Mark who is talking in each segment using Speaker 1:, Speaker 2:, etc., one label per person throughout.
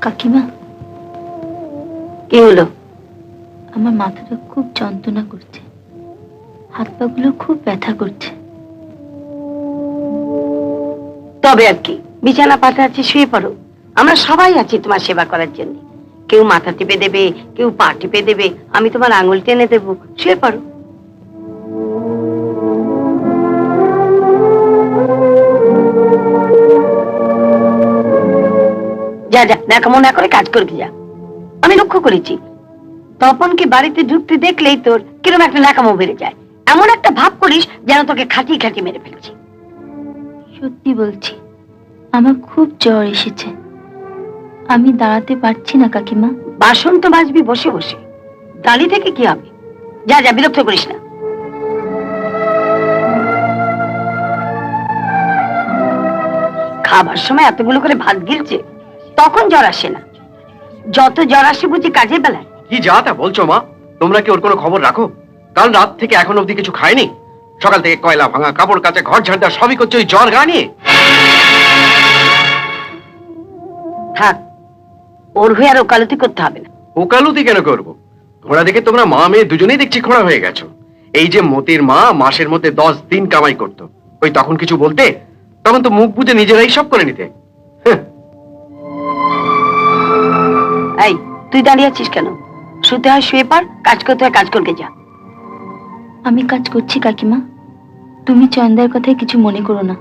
Speaker 1: কাকিমা,
Speaker 2: কি হলো?
Speaker 1: আমার মাথাটা খুব যন্ত্রণা করছে, হাত পা গুলো খুব ব্যথা করছে।
Speaker 2: তবে আর কি, বিছানা পাতা আছে, শুয়ে পড়ো। আমরা সবাই আছি তোমার সেবা করার জন্য। কেউ মাথা টিপে দেবে, কেউ পা টিপে দেবে, আমি তোমার আঙুল টেনে দেবো, শুয়ে পড়ো। যা যা, দেখামো না করে কাজ করবি যা। আমি লক্ষ্য করেছি, তপনকে বাড়িতে ঢুকতে দেখলেই তোর কিরকম একটা ন্যাকামো বেড়ে যায়। এমন একটা ভাব করিস যেন তোকে খাটিয়ে খাটিয়ে মেরে ফেলছি।
Speaker 1: সত্যি বলছি, আমার খুব জ্বর এসেছে, আমি দাঁড়াতে পারছি না কাকিমা।
Speaker 2: বাসন তো মাজবি বসে বসে, দাঁড়িয়ে থেকে কি হবে? যা যা, বিরক্ত করিস না। খাবার সময় এতগুলো করে ভাত গিলছে, তখন জ্বর আসে না। যত জ্বর আসে বুঝি কাজের বেলায়।
Speaker 3: কি যা তা বলছো মা? তোমরা কি ওর কোনো খবর রাখো? কাল রাত থেকে এখন অবধি কিছু খায়নি। সকাল থেকে কয়লা ভাঙা, কাপড় কাচা, ঘর ঝাড়া সবই করছে ওই জ্বর গা নিয়ে।
Speaker 2: থাক, ওর হয়ে আর ওকালতি করতে হবে না।
Speaker 3: ওকালতি কেন করবো? ঘোড়া দেখে তোমরা মা মেয়ে দুজনেই দেখছি খোঁড়া হয়ে গেছো। এই যে মতির মা মাসের মধ্যে 10 দিন কামাই করতো, ওই তখন কিছু বলতে? তখন তো মুখ বুঝে নিজেরাই সব করে নিতে।
Speaker 2: এই, তুই দাঁড়িয়ে আছিস কেন? শুতে হয় শুয়ে পড়, কাজ করতে হয় কাজ করকে যা।
Speaker 1: আমি কাজ করছি কাকিমা, তুমি চয়নদার কথায় কিছু মনে করো না।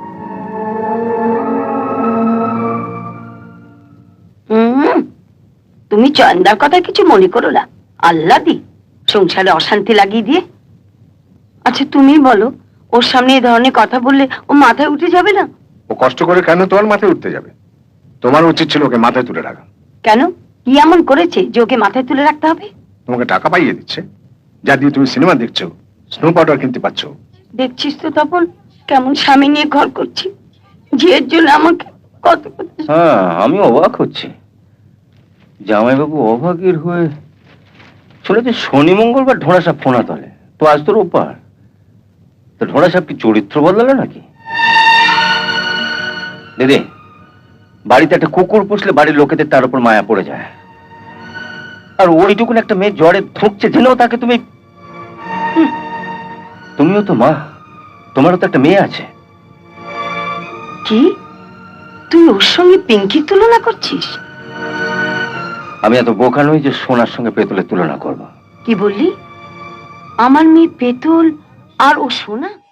Speaker 2: তুমি চয়নদার কথা কিছু মনে করো না? আল্লাহ দি সংসারে অশান্তি লাগিয়ে দিয়ে। আচ্ছা তুমি বলো, ওর সামনে এই ধরনের কথা বললে ও মাথায় উঠে যাবে না?
Speaker 4: ও কষ্ট করে কেন তোমার মাথায় উঠতে যাবে? তোমার উচিত ছিল ওকে মাথায় তুলে রাখা।
Speaker 2: কেন, কি এমন করেছে যে ওকে মাথায় তুলে রাখতে হবে?
Speaker 4: তোমাকে টাকা পাইয়ে দিচ্ছে, যা দিয়ে তুমি সিনেমা দেখছো, স্নো পাউডার কিনতে পারছো।
Speaker 2: দেখছিস তো তপন, কেমন স্বামী নিয়ে ঘর করছি, ঝিয়ের জন্য আমাকে কত কত।
Speaker 5: হ্যাঁ, আমি অবাক হচ্ছি, জামাইবাবু অভাগীর হয়ে শুনেছি শনি মঙ্গলবার ঢোড়া সাপ ফোনা তলে, তো আজ তো রোববার। তো ঢোড়া সাপ কি চরিত্র বদলালো নাকি? দিদি, বাড়িতে একটা কুকুর পুষলে বাড়ির লোকেদের তার উপর মায়া পড়ে যায়, আর ওইটুকুন একটা মেয়ে জ্বরে ধুঁকছে জেনেও তাকে তুমি। তুমিও তো মা, তোমারও তো একটা মেয়ে আছে।
Speaker 2: কি, তুই ওর সঙ্গে পিঙ্কির তুলনা করছিস?
Speaker 5: আমি এত বোকা নই যে সোনার সঙ্গে পেতলের তুলনা করবো।
Speaker 2: কি বললি? আমার মেয়ে পেতল আর ও সোনা?